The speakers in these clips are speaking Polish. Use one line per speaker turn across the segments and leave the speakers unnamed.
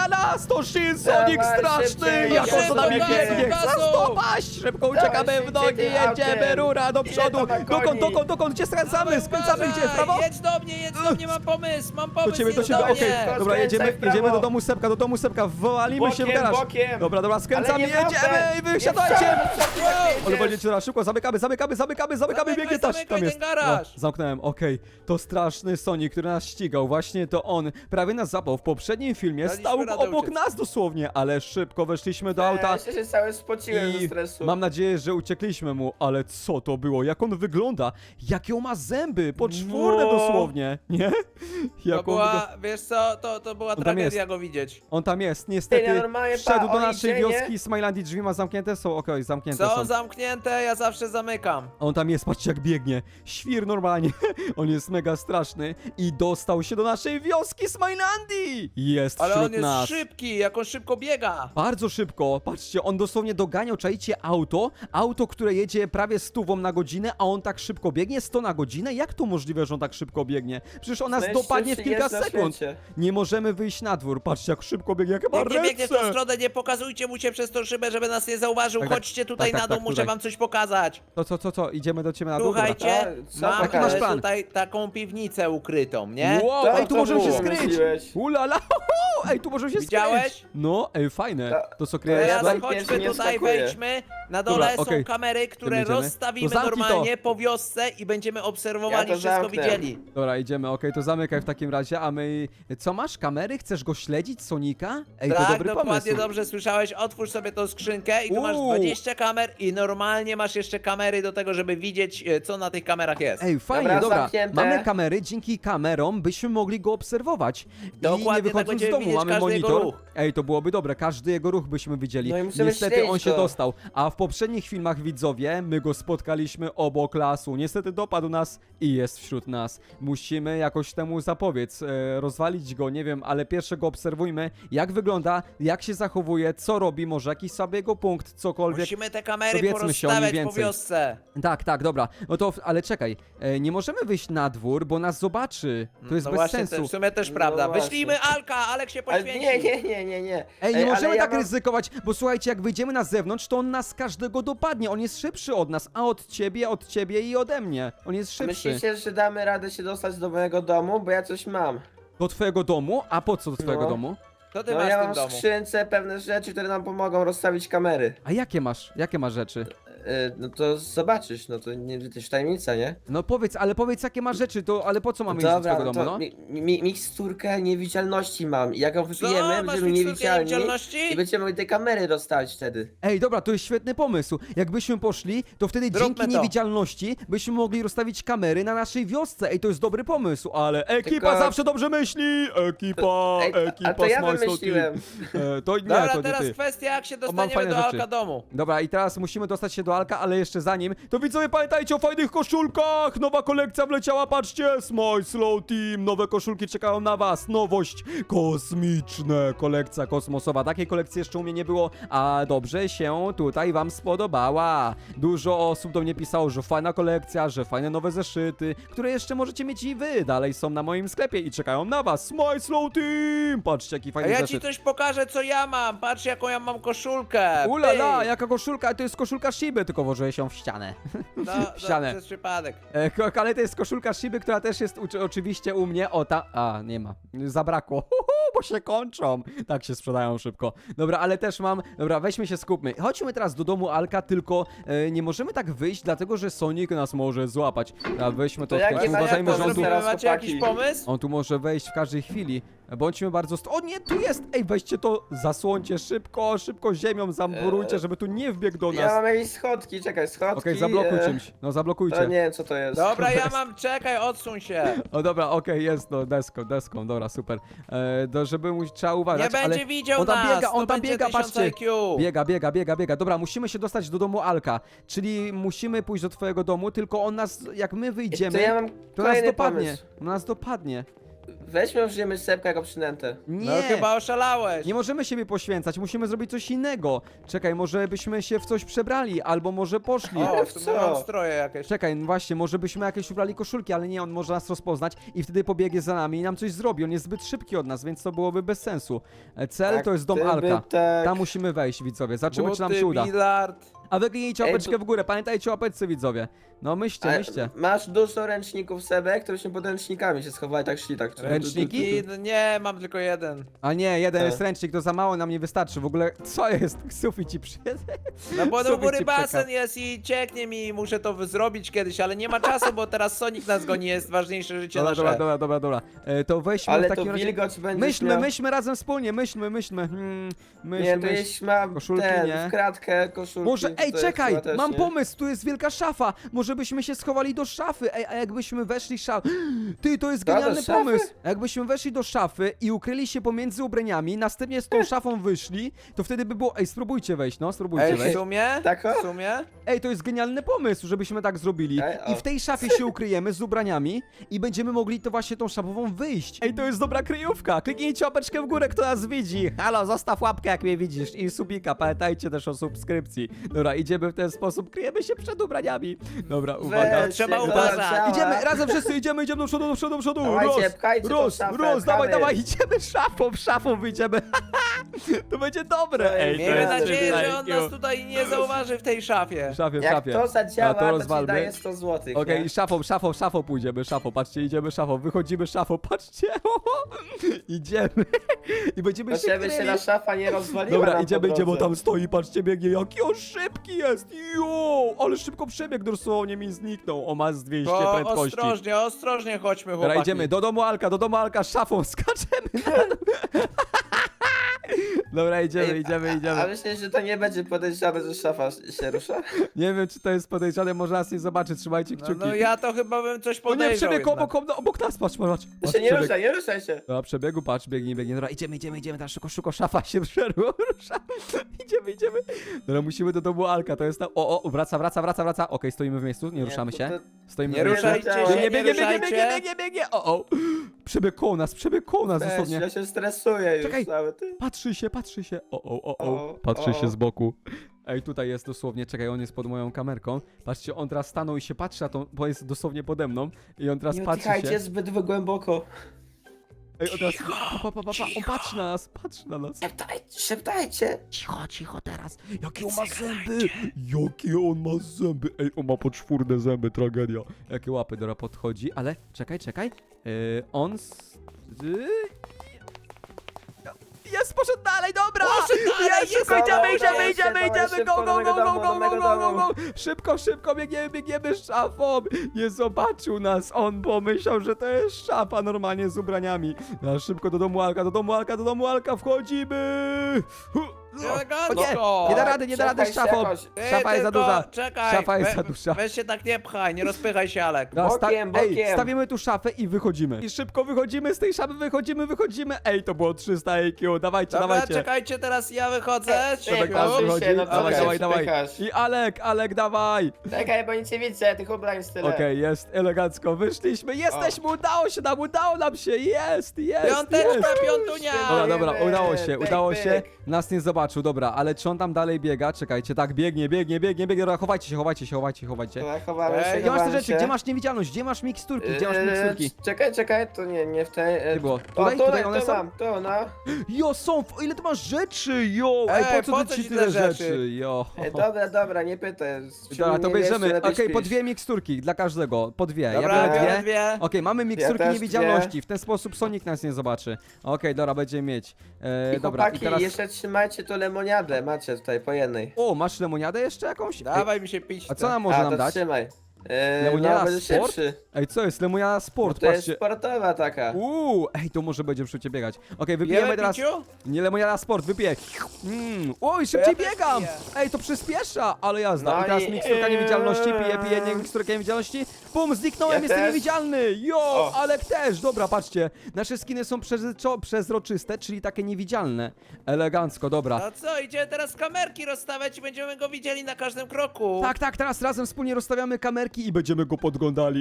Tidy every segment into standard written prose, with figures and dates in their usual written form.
Ulala, 103 Sonic
Dawaj,
straszny!
szybciej,
Jak on za nami
szybko,
biegnie!
gazu!
Chcę stopaść! Szybko uciekamy
Dawaj,
w nogi,
szybciej tym
jedziemy,
autem.
rura do
Ile
przodu!
to ma koni?
Dokąd? Gdzie skręcamy? Skręcamy gdzie? W prawo?
Jedź do mnie, mam pomysł,
Do ciebie,
jedź
okej.
mnie.
To
Dobra,
skręcaj w prawo.
jedziemy do domu Sepka, wywalimy się w
Bokiem,
garaż.
bokiem.
Dobra, skręcamy,
Ale nie
jedziemy
wracaj.
i wysiadajcie!
Nie
Odwalicie teraz szybko, zamykamy, biegnie tam
Zamykaj
jest.
ten garaż.
No, zamknąłem, okej. To straszny Sonic, który nas ścigał, właśnie to on. Prawie nas zapał w poprzednim filmie,
Daliśmy
stał
radę
obok
uciec.
nas dosłownie, ale szybko weszliśmy do auta.
Ja się cały spociłem ze
I
stresu.
mam nadzieję, że uciekliśmy mu, ale co to było? Jak on wygląda? Jakie on ma zęby? Poczwórne
No.
dosłownie, nie?
To
Jak on wygląda...
była, wiesz co, to była
tam
tragedia
jest.
go widzieć.
On tam jest,
Ty,
niestety.
normalnie,
Wszedł do
on
naszej
idzie, nie?
wioski, Smilandii, drzwi ma zamknięte? Są, okej, zamknięte
Są
są.
zamknięte, ja zawsze zamykam.
On tam jest, patrzcie jak biegnie. Świr normalnie. On jest mega straszny. I dostał się do naszej wioski Smilandii. Jest
Ale
wśród
on jest
nas.
szybki, jak on szybko biega.
Bardzo szybko. Patrzcie, on dosłownie doganiał, czajcie, auto, które jedzie prawie 100 na godzinę, a on tak szybko biegnie 100 na godzinę? Jak to możliwe, że on tak szybko biegnie? Przecież on nas
Najszybszy
dopadnie w kilka
jest na
sekund.
świecie.
Nie możemy wyjść na dwór. Patrzcie, jak szybko biegnie, jak ma
Jak nie biegnie w tą
ręce.
stronę, nie pokazujcie mu się przez tą szybę, żeby nas nie zauważył.
Tak, tak.
Chodźcie tutaj
Tak,
na dół,
tak,
muszę
tutaj.
wam coś pokazać.
Co? Idziemy do ciebie na dół? Dobra.
Słuchajcie,
Co
mam
Jaki masz plan?
tutaj taką piwnicę ukrytą, nie?
Wow,
To
ej, tu
co
możemy się
było,
skryć!
myśliłeś?
Ulala, ej, tu możemy się
Widziałeś?
skryć! No, ej, fajne. To co
To
kryjesz?
ja
Teraz
tam
chodźmy
pierwszy nie
tutaj,
wskakuję.
wejdźmy. Na dole
Dobra,
są
okej.
kamery, które
Tym jedziemy.
rozstawimy
To zamknij
normalnie po wiosce i będziemy obserwowali,
Ja to
wszystko
zamknę.
widzieli.
Dobra, idziemy, okej, to zamykaj w takim razie, a my... Co masz, kamery? Chcesz go śledzić, Sonika? Ej, to
Tak,
dobry
dokładnie,
pomysł.
dobrze słyszałeś. Otwórz sobie tą skrzynkę i tu masz 20 kamer i normalnie masz jeszcze kamery do tego, żeby widzieć, co na tych kamerach jest.
Ej, fajnie,
Dobra,
dobra.
zamknięte.
Mamy kamery, dzięki kamerom byśmy mogli go obserwować. I
Dokładnie,
nie
tak
wychodząc z
będziemy
domu,
widzieć
mamy
każdy jego
monitor.
ruch.
Ej, to byłoby dobre, każdy jego ruch byśmy widzieli.
No i musimy
Niestety
śledzić
on się
go.
dostał. A w poprzednich filmach, widzowie, my go spotkaliśmy obok lasu. Niestety dopadł nas i jest wśród nas. Musimy jakoś temu zapobiec, rozwalić go, nie wiem, ale pierwsze go obserwujmy, jak wygląda, jak się zachowuje, co robi, może jakiś sobie jego punkt, cokolwiek.
Musimy te kamery
Dowiedzmy się o nim
porozstawiać po
więcej.
wiosce.
Tak, dobra. No to, ale czekaj, nie możemy wyjść na dwór, bo nas zobaczy. To jest
No
bez
właśnie,
sensu.
w sumie też
No
prawda.
właśnie.
Wyślijmy Alka, Alek się
Ale
poświęci.
nie.
Ej, nie możemy
ale
tak
ja mam-
ryzykować, bo słuchajcie, jak wyjdziemy na zewnątrz, to on nas każdego dopadnie. On jest szybszy od nas, a od ciebie i ode mnie. On jest szybszy.
Myślicie, że damy radę się dostać do mojego domu? Bo ja coś mam.
Do twojego domu? A po co do twojego
No.
domu?
Co ty
No
masz
ja
w tym
mam w
domu?
skrzynce pewne rzeczy, które nam pomogą rozstawić kamery.
A jakie masz? Jakie masz rzeczy?
No to zobaczysz, no to nie, to jest tajemnica, nie?
No powiedz, jakie masz rzeczy, to, ale po co mamy iść do
Dobra,
twojego
no
domu,
to
no?
miksturkę niewidzialności mam. I jak ją wypijemy,
masz
będziemy
miksturkę
niewidzialni
niewidzialności?
i będziemy mogli te kamery rozstawić wtedy.
Ej, dobra, to jest świetny pomysł. Jakbyśmy poszli, to wtedy
Zróbmy
dzięki
to.
niewidzialności byśmy mogli rozstawić kamery na naszej wiosce. Ej, to jest dobry pomysł, ale ekipa
Tylko-
zawsze dobrze myśli! Ekipa,
Ej,
ekipa
a to ja
Smile Slow
wymyśliłem.
Team. To nie,
Dobra,
to nie
teraz
ty.
kwestia, jak się
mam
dostaniemy
fajne
do
rzeczy.
Alka domu.
Dobra, i teraz musimy dostać się do Alka, ale jeszcze zanim, to widzowie pamiętajcie o fajnych koszulkach! Nowa kolekcja wleciała, patrzcie! Smile Slow Team, nowe koszulki czekają na was, nowość kosmiczne, kolekcja kosmosowa. Takiej kolekcji jeszcze u mnie nie było, a dobrze się tutaj wam spodobała. Dużo osób do mnie pisało, że fajna kolekcja, że fajne nowe zeszyty, które jeszcze możecie mieć i wy. Dalej są na moim sklepie i czekają na was. Smile Slow Team! Patrzcie, jaki
A
fajny
ja ci
zeszyt.
coś pokażę, co ja mam. Patrz, jaką ja mam koszulkę.
Ulala,
Pyk.
jaka koszulka, to jest koszulka Shiby, tylko włożyłeś ją w ścianę.
No,
w ścianę.
to jest przypadek.
Ale to jest koszulka Shiby, która też jest oczywiście u mnie. O, ta... A, nie ma. Zabrakło. Bo się kończą. Tak się sprzedają szybko. Dobra, ale też mam... Dobra, weźmy się, skupmy. Chodźmy teraz do domu Alka, tylko nie możemy tak wyjść, dlatego że Sonic nas może złapać. A weźmy to
To
w
jak
końcu.
nie
Uważajmy,
to
że on tu...
zrobimy. teraz,
Macie jakiś
chłopaki.
pomysł?
On tu może wejść w każdej chwili. Bądźmy bardzo... O nie, tu jest! Ej, weźcie to, zasłońcie szybko, szybko ziemią zamurujcie, żeby tu nie wbiegł do
Ja
nas.
mam jakieś schodki, czekaj, schodki.
Okej, zablokuj czymś. No,
To
zablokujcie.
nie wiem co to jest.
Dobra, ja mam, czekaj, odsuń się.
O dobra, okej, jest, no deską, dobra, super. Żeby mu trzeba uważać,
Nie
ale
będzie widział
on tam
nas,
biega, on
to
tam
będzie
biega,
1000
patrzcie.
IQ.
Biega. Dobra, musimy się dostać do domu Alka, czyli musimy pójść do twojego domu, tylko on nas, jak my wyjdziemy,
To ja mam
to nas
kolejny
dopadnie.
pomysł.
Nas dopadnie.
weźmy użyjemy sepka jako przynętę.
Nie!
No chyba oszalałeś.
Nie możemy siebie poświęcać, musimy zrobić coś innego. Czekaj, może byśmy się w coś przebrali, albo może poszli.
O, w
Co?
sumie mam stroje jakieś.
Czekaj, no właśnie, może byśmy jakieś ubrali koszulki, ale nie, on może nas rozpoznać i wtedy pobiegnie za nami i nam coś zrobi. On jest zbyt szybki od nas, więc to byłoby bez sensu. Cel
Tak,
to jest dom
gdyby
Alka.
tak.
Tam musimy wejść, widzowie. Zobaczymy, czy nam się uda.
Billard.
A wy kliknijcie
Ej,
łapeczkę w górę, pamiętajcie o łapeczce, widzowie. No myślcie,
Ale
myślcie.
masz dużo ręczników Sebek, które się pod ręcznikami się schowali, tak szli, tak.
Ręczniki?
Nie, mam tylko jeden.
A nie, jeden
Tak.
jest ręcznik, to za mało nam nie wystarczy. W ogóle, co jest? Sufit ci przyjedzie.
No bo do
Sufit
góry
ci przeka-
basen jest i cieknie mi, muszę to zrobić kiedyś, ale nie ma czasu, bo teraz Sonic nas goni, jest ważniejsze życie
Dobra,
nasze.
dobra. To weźmy
Ale
w
to
takim razie...
wilgoć będzie
Myślmy razem wspólnie, myślmy.
Nie, to jeśli mam
Koszulki
ten,
nie.
w kratkę koszulki.
Może,
to
ej,
jest
czekaj,
chyba też,
mam
nie?
pomysł, tu jest wielka szafa. Może byśmy się schowali do szafy. Ej, a jakbyśmy weszli Ty, to jest
Co, do
genialny
szafy?
pomysł. Jakbyśmy weszli do szafy i ukryli się pomiędzy ubraniami, następnie z tą szafą wyszli, to wtedy by było... Ej, spróbujcie wejść, no, spróbujcie
Ej, w
wejść.
sumie?
Tak, o?
W sumie?
Ej, to jest genialny pomysł, żebyśmy tak zrobili.
Ej, o.
I w tej szafie się ukryjemy z ubraniami i będziemy mogli to właśnie tą szafową wyjść. Ej, to jest dobra kryjówka. Kliknijcie łapeczkę w górę, kto nas widzi. Halo, zostaw łapkę, jak mnie widzisz. I subika, pamiętajcie też o subskrypcji. Dobra, idziemy w ten sposób, kryjemy się przed ubraniami. Dobra, uwaga.
Weź
trzeba
się,
uważać.
doleciała.
Idziemy, razem wszyscy idziemy do przodu.
Dawajcie, pchajcie tą szafę,
dawaj,
pchamy.
idziemy szafą wyjdziemy. To będzie dobre. Ej, to
Miejmy
jest
nadzieję,
coś
że on nas
takiego.
tutaj nie zauważy w tej szafie.
W szafie, w
Jak
szafie.
to zadziała,
A to
to ci
rozwalmy.
daje 100 zł.
Okej, szafą pójdziemy, patrzcie, idziemy szafą, wychodzimy szafą, patrzcie, idziemy i będziemy
To
się
żeby się
kryli.
ta szafa nie rozwaliła
Dobra,
nam
idziemy,
po
bo
drodze.
tam stoi, patrzcie, biegnie, jaki on szybki jest, ale szybko przebiegł, dosłownie mi zniknął, o ma z 200
To
prędkości.
ostrożnie chodźmy,
Dobra,
chłopaki.
idziemy do domu Alka, szafą skaczemy na dół. Dobra, idziemy.
A myślisz, że to nie będzie podejrzane, że szafa się rusza?
Nie wiem, czy to jest podejrzane, może nas nie zobaczy, trzymajcie
No,
kciuki.
no ja to chyba bym coś
O nie,
podejrzał
przebiegł
jednak.
obok nas, patrz.
To się nie
przebiegł.
ruszaj, nie ruszaj się.
Dobra, przebiegu, patrz, biegnie. Dobra, idziemy, teraz szybko, szafa się rusza. Idziemy. Dobra, musimy do domu Alka, to jest tam... O, wraca. Okej, stoimy w miejscu, nie ruszamy się. Stoimy
Nie
w miejscu.
ruszajcie się, nie ruszajcie.
Biegnie. O. Przebiegł koło nas,
Weź,
dosłownie.
ja się stresuję już
Czekaj.
cały ty.
Patrzy się.
O,
Patrzy się
o.
z boku. Ej, tutaj jest dosłownie, czekaj, on jest pod moją kamerką. Patrzcie, on teraz stanął i się patrzy na to, bo jest dosłownie pode mną. I on teraz
Nie
patrzy
oddychajcie
się.
zbyt głęboko.
Ej, on teraz... On patrzy na nas.
Szeptajcie.
Cicho teraz. Jakie on ma zęby? Jakie on ma zęby? Ej, on ma poczwórne zęby, tragedia. Jakie łapy, dobra, podchodzi, ale czekaj. On... Jest, poszedł dalej, dobra!
Poszedł dalej,
Jest,
jest,
szybko,
dawaj,
idziemy,
szybko do mego domu.
Szybko, biegniemy szafą. Nie zobaczył nas, on pomyślał, że to jest szafa normalnie z ubraniami. No, szybko do domu Alka, wchodzimy!
Elegancko.
Nie da rady z
Przepchaj się
szafą.
jakoś.
Szafa jest za
tylko
duża.
Czekaj,
Szafa jest za duża.
weź się tak nie pchaj, nie rozpychaj się, Alek.
No,
Bokiem.
Ej, stawimy tu szafę i wychodzimy. I szybko wychodzimy z tej szafy, wychodzimy. Ej, to było 300 IQ, dawajcie.
Dobra, czekajcie, teraz ja wychodzę.
Przemek nas
Cicho.
wychodzi.
no co
Dawaj,
się
dawaj.
wpychasz?
I Alek, dawaj.
Czekaj, bo nic nie widzę, tych ubrań z tyle.
Okej, jest elegancko, wyszliśmy, jesteśmy, udało nam się, jest.
Piąteczka, piątunia.
Dobra,
Pyk,
udało się,
pyk.
nas nie zobaczył, dobra, ale czy on tam dalej biega? Czekajcie, tak, biegnie, dobra, chowajcie się.
Dobra, chowamy
Ej,
się,
Gdzie masz te
chowamy
rzeczy,
się.
gdzie masz niewidzialność, gdzie masz miksturki,
Czekaj, to nie w tej...
Gdzie było?
O,
Tutaj one
tu
są?
mam, tu, no.
Jo, ile ty masz rzeczy, jo,
Ej,
po
po
co
co
ci
ci
tyle
te
rzeczy,
rzeczy?
jo.
Dobra, nie pytaj.
Dobra, to bierzemy,
lepiej
okej, po
śpisz.
2 miksturki dla każdego, po 2, ja
Dobra,
biorę
biorę
2.
dwie.
Okej, mamy miksturki
też
niewidzialności, w ten sposób Sonic nas nie zobaczy. Okej, dobra, będziemy mieć.
I
Dobra,
chłopaki,
i teraz...
jeszcze trzymajcie tu lemoniadę, macie tutaj po jednej.
O, masz lemoniadę jeszcze jakąś? Ej,
Dawaj mi się pić.
a co nam może nam
to
dać?
trzymaj.
Lemoniada
No, będzie
sport?
szybszy.
Ej, co jest? Lemoniada
Bo
sport,
to jest
patrzcie.
sportowa taka.
Ej, to może będzie szybciej biegać. Okej, wypijemy
Pijemy
teraz...
piciu?
Nie lemoniada sport, wypiję. Oj, szybciej
Ja też
biegam!
piję.
Ej, to przyspiesza, ale jazda.
No
I teraz
i-
miksturka niewidzialności, piję miksturkę niewidzialności. Bum, zniknąłem,
Ja
jestem
też.
niewidzialny! Jo,
O.
Alek też! Dobra, patrzcie. Nasze skiny są przezroczyste, czyli takie niewidzialne. Elegancko, dobra.
No co, idziemy teraz kamerki rozstawiać i będziemy go widzieli na każdym kroku.
Tak, teraz razem wspólnie rozstawiamy kamerki i będziemy go podglądali, ale to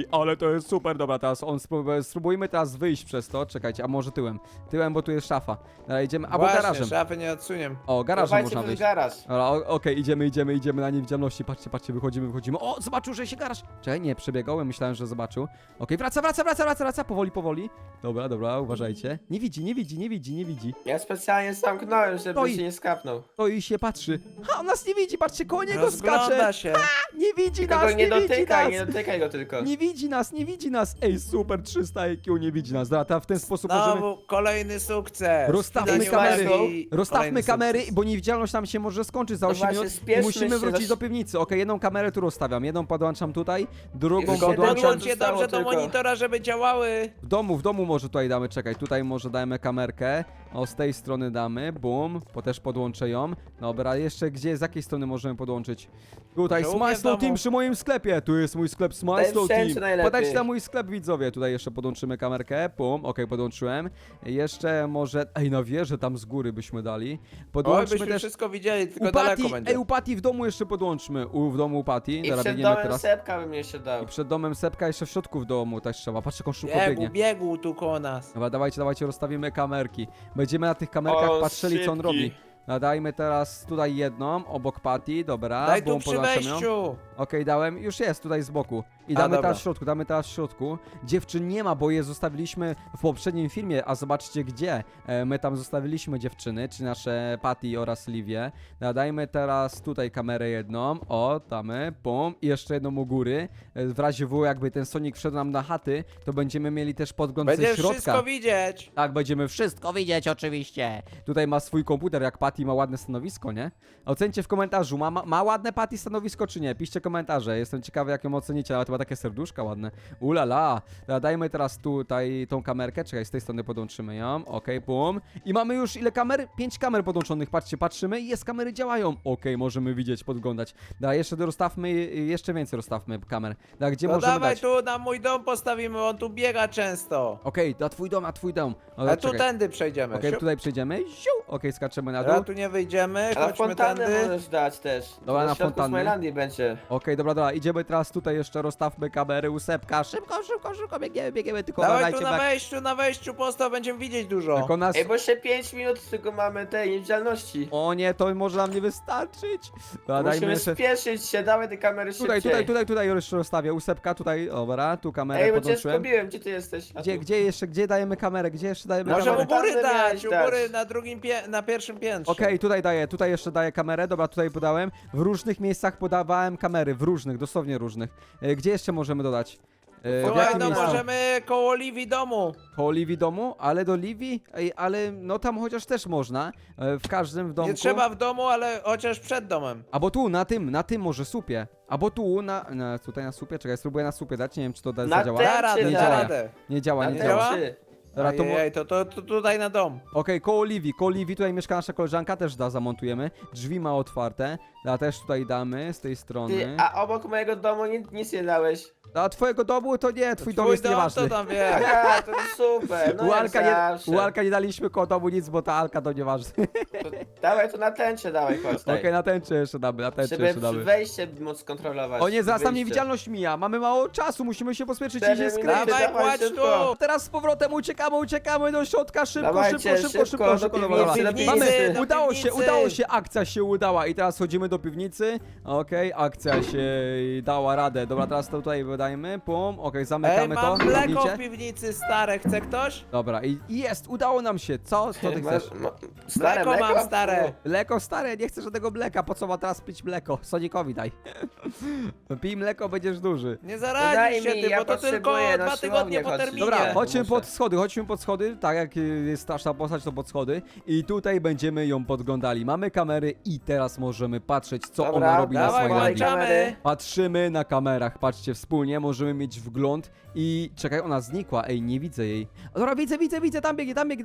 to jest super, dobra, teraz spróbujmy teraz wyjść przez to, czekajcie, a może tyłem, bo tu jest szafa. Dobra, idziemy, albo
Właśnie,
garażem.
szafy nie odsuniem.
O, garażem
Dawajcie
można
przez
wyjść.
garaż.
Dobra, okej, idziemy na niewidzialności, patrzcie, wychodzimy. O, zobaczył, że się garaż. Czekaj, nie, przebiegał, myślałem, że zobaczył. Okej, wraca, powoli. Dobra, uważajcie. Nie widzi.
Ja specjalnie zamknąłem, żeby
Stoi.
się nie skapnął.
To i się patrzy. Ha, on nas nie widzi, patrzcie, koło niego skacze.
Rozgląda się.
Nie widzi
Tylko
nas,
go nie dotykaj, nie
nas.
dotykaj go tylko.
Nie widzi nas. Ej, super, 300 IQ, nie widzi nas. Dobra, w ten sposób możemy...
Znowu kolejny sukces.
Rozstawmy
Widać
kamery.
uwagi.
Rozstawmy
Kolejny
kamery,
sukces.
bo niewidzialność nam się może skończyć za
No
8
właśnie,
minut i
spieszmy
musimy
się,
wrócić
zaś-
do piwnicy. Okej, jedną kamerę tu rozstawiam, jedną podłączam tutaj, drugą
Już siedem
podłączam
minut.
Podłączcie dobrze do
tylko.
monitora, żeby działały.
w domu może tutaj damy, czekaj, tutaj może dajemy kamerkę, o z tej strony damy, bum, też podłączę ją. Dobra, jeszcze gdzie, z jakiej strony możemy podłączyć? Tutaj
Może u mnie
Smile
w
Slow
domu.
Team przy moim sklepie, tu jest mój sklep Smile
Ten
Slow
wszędzie
Team.
najlepiej.
Podajcie na mój sklep, widzowie, tutaj jeszcze podłączymy kamerkę, bum, okej, podłączyłem. Jeszcze może, na wieżę tam z góry byśmy dali.
Oj,
Podłączmy
byśmy
też
wszystko widzieli, tylko
u
daleko
Patty,
będzie.
u Patty w domu jeszcze podłączmy. W domu u Patty.
I
Dobra,
przed
biegniemy
domem
teraz.
Sepka bym jeszcze dał.
I przed domem Sepka jeszcze w środku w domu też trzeba. Patrzcie, jak on szybko biegnie.
Biegł tu koło nas.
Dobra, dawajcie, rozstawimy kamerki. Będziemy na tych kamerkach
O,
patrzyli, co on
szybki.
robi. Dajmy teraz tutaj jedną, obok Patty, dobra.
Daj tu
bum,
przy
podłączam ją.
wejściu.
Okej, dałem, już jest tutaj z boku. I
A,
damy
dobra.
teraz w środku, Dziewczyn nie ma, bo je zostawiliśmy w poprzednim filmie, a zobaczcie gdzie. My tam zostawiliśmy dziewczyny, czy nasze Patty oraz Livię. Dajmy teraz tutaj kamerę jedną, damy, bum, i jeszcze jedną u góry. W razie W, jakby ten Sonic wszedł nam na chaty, to będziemy mieli też podgląd ze
Będziesz
środka.
wszystko widzieć.
Tak, będziemy wszystko widzieć oczywiście. Tutaj ma swój komputer, jak Patty ma ładne stanowisko, nie? Ocencie w komentarzu, ma ładne Patty stanowisko czy nie? Piszcie komentarze, jestem ciekawy jak ją ocenicie, ale to ma takie serduszka ładne. Ulala. Dajmy teraz tutaj tą kamerkę, czekaj, z tej strony podłączymy ją, okej, bum. I mamy już ile kamer? 5 kamer podłączonych, patrzcie, patrzymy i jest, kamery działają. Okej, możemy widzieć, podglądać. Jeszcze rozstawmy, jeszcze więcej rozstawmy kamer. Gdzie
No
możemy
dawaj
dać?
tu na mój dom postawimy, on tu biega często.
Okej, na twój dom, O,
A tu
czekaj.
tędy przejdziemy.
Okej,
Siup.
tutaj przejdziemy. Ziu! Okej, skaczemy na dół.
Dobra, tu nie wyjdziemy,
A na
chodźmy
fontannę
tędy.
możesz dać też.
Dobra, na
w środku
fontannę.
Smilandii będzie.
Okej, dobra, idziemy teraz tutaj jeszcze, rozstawmy kamery u Sepka. Szybko, biegniemy, tylko
Dawaj
uważajcie,
tu na wejściu postaw, będziemy widzieć dużo.
jak on nas...
Ej, bo jeszcze 5 minut tylko mamy tej niewidzialności.
O nie, to może nam nie wystarczyć. Dobra, dajmy
Musimy
jeszcze...
spieszyć się, dawaj te kamery szybciej.
Tutaj jeszcze rozstawię u Sepka, tutaj, dobra, tu kamerę
Ej, bo cię
podłączyłem.
zgubiłem, gdzie ty jesteś? A tu.
Gdzie dajemy kamerę? Gdzie jeszcze dajemy
Może
Może
kamerę?
u góry
Fontannę
dać,
miałeś
u
dać.
góry na pierwszym piętrze.
Okej, tutaj jeszcze daję kamerę, dobra, tutaj podałem. W różnych miejscach podawałem kamery, w różnych, dosłownie różnych. Gdzie jeszcze możemy dodać? W
Słuchaj,
jakim
no
miejscu?
możemy koło Livi domu.
Koło Livi domu, ale do Livi? Ej, ale no tam chociaż też można. W każdym w domku.
Nie trzeba w domu, ale chociaż przed domem.
Albo tu, na tym może słupie. Albo tu, tutaj na słupie, czekaj, spróbuję na słupie dać, nie wiem czy to
Na
zadziała.
tym
Da radę,
nie
da
działa.
radę.
Nie działa,
Na
nie
te
działa.
działa?
trzy.
Dobra, to
Ojej, to tutaj na dom.
Okej, koło Livi, tutaj mieszka nasza koleżanka, też zamontujemy. Drzwi ma otwarte, a też tutaj damy z tej
Ty,
strony.
a obok mojego domu nic nie dałeś.
A twojego domu to nie, twój dom jest
to
nieważny.
tam wie.
Aha, to super, no
u,
jak
Alka
zawsze.
u Alka nie daliśmy koło domu nic, bo ta Alka to nieważne.
To Dawaj to na tęczę, dawaj, chodź.
Okej, na tęczę jeszcze damy, na tęczę
Żeby
jeszcze damy.
wejście móc kontrolować.
O nie, zaraz nam
wyjście.
niewidzialność mija, mamy mało czasu, musimy się pospieszyć i
4
się
minuty.
skryć.
Dawaj,
Dawaj,
kładź
szybko.
tu.
Teraz z powrotem uciekamy do środka, szybko,
Dawajcie, szybko, do
Dobra,
piwnicy,
dobra.
do
Mamy,
piwnicy.
do
udało
piwnicy.
się, akcja się udała i teraz chodzimy do piwnicy. Okej, akcja się dała radę. Dobra, teraz to tutaj wydajmy, pum, okej,
Ej,
zamykamy to.
mam mleko
Zamknijcie.
w piwnicy stare, chce ktoś?
Dobra, i jest, udało nam się. Co ty chcesz?
Stare
Mleko mam stare.
Mleko stare, nie chcę żadnego mleka, po co ma teraz pić mleko? Sonicowi daj. Pij mleko, będziesz duży.
Nie
Daj
zaradzisz się
mi,
ty,
ja
bo to tylko
potrzebuję na
2 tygodnie
siłownię
po
chodzić.
terminie.
Dobra,
Nie,
chodźmy
muszę.
pod schody, tak jak jest straszna postać, to pod schody. I tutaj będziemy ją podglądali. Mamy kamery i teraz możemy patrzeć, co
Dobra,
ona robi na
Dawaj,
swojej
włączamy.
landii.
włączamy.
Patrzymy na kamerach, patrzcie wspólnie, możemy mieć wgląd i... Czekaj, ona znikła, ej, nie widzę jej. Dobra, widzę, tam biegnie, tam,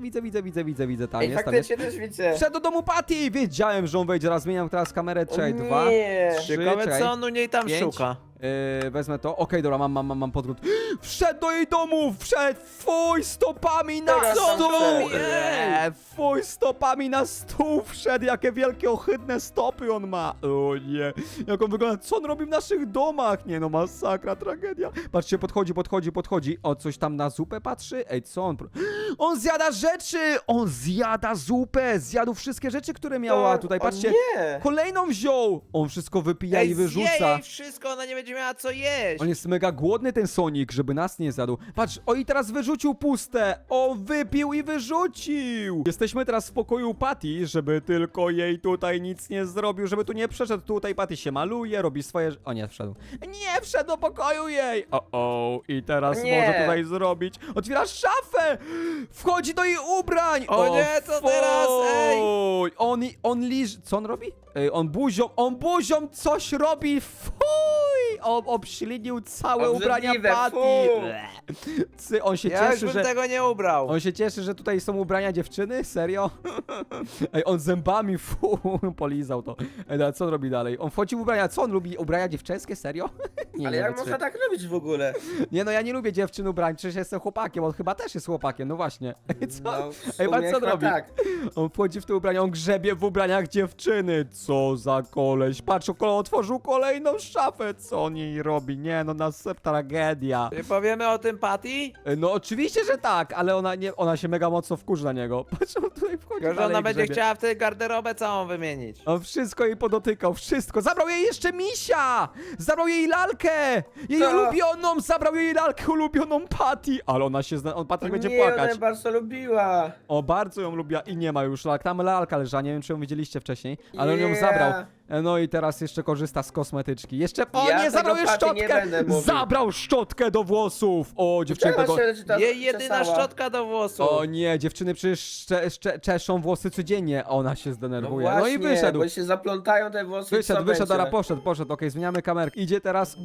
widzę, tam
Ej,
jest, tam jest.
faktycznie też widzę.
Wszedł do domu Patty! Wiedziałem, że on wejdzie, raz zmieniam teraz kamerę, czekaj,
O
2,
nie.
3,
Ciekawe
czekaj.
co on u niej tam
5.
szuka.
Wezmę to. Okej, dobra, mam podgląd. Wszedł do jej domu! Wszedł! Fuj, stopami na
Teraz tam
stół!
wszedł.
Fuj, stopami na stół wszedł! Jakie wielkie, ohydne stopy on ma! O nie! Jak on wygląda? Co on robi w naszych domach? Nie no, masakra, tragedia. Patrzcie, podchodzi. O, coś tam na zupę patrzy? Ej, co on... On zjada rzeczy! On zjada zupę! Zjadł wszystkie rzeczy, które miała tutaj. Patrzcie,
Nie.
kolejną wziął! On wszystko wypija i
Zje
wyrzuca.
jej wszystko, ona nie będzie miała co jeść.
On jest mega głodny, ten Sonic, żeby nas nie zjadł. Patrz, o i teraz wyrzucił puste. O, wypił i wyrzucił. Jesteśmy teraz w pokoju Patty, żeby tylko jej tutaj nic nie zrobił, żeby tu nie przeszedł. Tutaj Patty się maluje, robi swoje... O nie, wszedł. Nie, wszedł do pokoju jej. O, i teraz
Nie.
może tutaj zrobić. Otwiera szafę. Wchodzi do jej ubrań.
O nie, co teraz? Ej.
Fuj. On liż... Co on robi? On buzią coś robi. Fuj. On obślinił całe ubrania
Obrzydliwe,
Patty.
fu.
On się
Ja już
cieszy,
bym
że...
tego nie ubrał.
On się cieszy, że tutaj są ubrania dziewczyny? Serio? Ej, on zębami, polizał to. Ej, a co on robi dalej? On wchodzi w ubrania, co on lubi? Ubrania dziewczęskie? Serio? Nie,
Ale
nie
jak
wiem,
można tak robić w ogóle?
Nie no, ja nie lubię dziewczyn ubrań, przecież jestem chłopakiem, on chyba też jest chłopakiem, no właśnie. Ej, co?
No, w
Ej, patrz
sumie
co on
chyba
robi.
tak.
On wchodzi w te ubrania, on grzebie w ubraniach dziewczyny. Co za koleś. Patrz, otworzył kolejną szafę. Co on jej robi? Nie no, tragedia.
Czy powiemy o tym Patty?
No oczywiście, że tak, ale ona się mega mocno wkurzy na niego. Patrz, on tutaj wchodzi
Tylko, że
dalej
ona będzie
grzebie.
chciała wtedy garderobę całą wymienić.
On wszystko jej podotykał, wszystko. Zabrał jej jeszcze misia! Zabrał jej lalkę! Jej
Co?
ulubioną! Zabrał jej lalkę ulubioną Patty! Ale ona się Patty będzie
nie,
płakać.
ona ją bardzo lubiła.
O, bardzo ją lubiła i nie ma już lalk. Tam lalka leżała, nie wiem czy ją widzieliście wcześniej, ale on ją
Yeah.
zabrał. No i teraz jeszcze korzysta z kosmetyczki. Jeszcze... O
Ja
nie, zabrał
tego
jej
Patty nie
szczotkę!
będę mówił.
Zabrał szczotkę do włosów! O, dziewczyny
Czemu
tego...
się ta
Jej jedyna
czesała?
szczotka do włosów.
O nie, dziewczyny przecież czeszą włosy codziennie. Ona się
No
zdenerwuje. No,
właśnie,
i wyszedł.
bo się zaplątają te włosy i co
Wyszedł,
będzie?
dobra, poszedł, okej, zmieniamy kamerkę. Idzie teraz,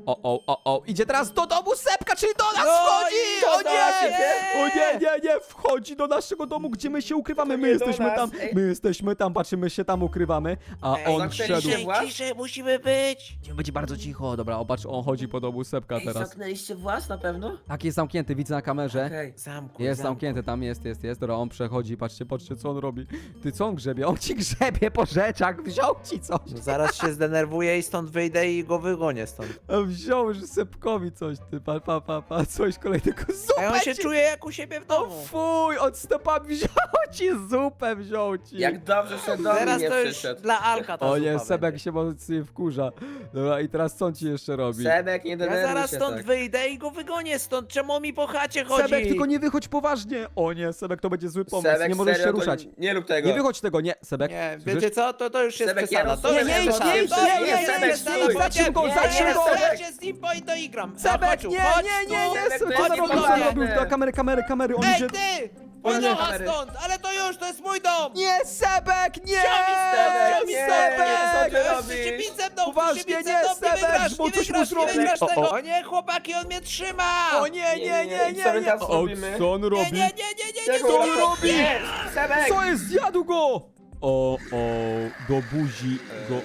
idzie teraz do domu Sepka, czyli do nas
No
wchodzi!
i
O
do
nie!
nas idzie!
O nie, wchodzi do naszego domu, gdzie my się ukrywamy,
To
my
nie do
jesteśmy
nas,
tam,
ej.
my jesteśmy tam, patrzymy, my się tam ukrywamy, a
Ej,
on
zamknęliście
wszedł.
włas?
Ciszej, musimy być.
Będzie bardzo cicho, dobra, patrz, on chodzi po domu Sepka
Ej,
teraz.
zamknęliście włas na pewno?
Tak, jest zamknięty, widzę na kamerze.
Okej.
Zamku,
Jest zamknięty, tam jest, dobra, on przechodzi, patrzcie, co on robi. Ty, co on grzebie? On ci grzebie po rzeczach, wziął ci coś.
No zaraz się zdenerwuję i stąd wyjdę i go wygonię stąd.
A wziął już Sepkowi coś, ty, coś kolejnego,
A
zupę
on się
ci...
czuje jak u siebie w
O
domu.
fuj, od stopami wziął ci zupę, wziął ci.
Jak dobrze, że do mnie
Teraz
nie
to już
przyszedł.
dla Alka ta
O nie,
zupa
Sebek
będzie.
się mocniej wkurza. Dobra, i teraz co on ci jeszcze robi?
Sebek, nie
Ja
denerwuj
zaraz
się
stąd
tak.
wyjdę i go wygonię stąd. Czemu mi po chacie chodzi?
Sebek, tylko nie wychodź poważnie. O nie, Sebek, to będzie zły pomysł,
Sebek,
nie możesz
serio,
się
to
ruszać.
Nie rób tego.
Nie wychodź tego, nie, Sebek.
Nie,
słyszysz?
wiecie co? To już jest
Sebek,
przesada.
ja
To
rozumiem,
już
Nie,
jest
nie idź,
przesada.
nie idź, nie,
To
nie,
jest
nie,
przesada.
nie, zatrzym go,
Nie,
zatrzym
nie,
go.
Sebek się z nim i to igram.
Sebek,
Chodź tu,
nie,
chodź
nie,
tu.
Sebek,
co
to
co
jest
zrobił, co
niepoważne.
zrobił? Kamery, on
Ej,
idzie...
ty!
O nie.
Wynocha stąd! Ale to już, to jest mój dom!
Nie, Sebek, nie!
Sebek, nie,
Sebek!
nie, co
Już
ty
się
robisz?
bić ze mną,
Poważnie,
już się bić
nie,
ze mną,
Sebek,
wygrasz,
bo
nie
coś mu
wygrasz, nie
zrobi.
wygrasz
O,
tego!
o.
O nie, chłopaki, on mnie trzyma!
O nie,
co my teraz
O,
robimy?
co on
Nie,
robi?
nie,
Czego
Co on
on
robi?
Nie, Sebek!
Co jest? Zjadł go! O, do buzi go...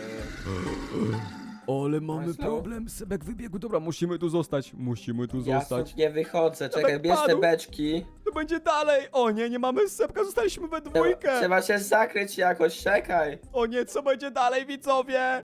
Ale mamy
Masło?
problem, Sebek wybiegł. Dobra, musimy tu zostać.
Ja stąd nie wychodzę, czekaj, bierz te
padł.
beczki.
To będzie dalej. O nie, nie mamy Sebka, zostaliśmy we dwójkę.
Trzeba się zakryć jakoś, czekaj.
O nie, co będzie dalej, widzowie?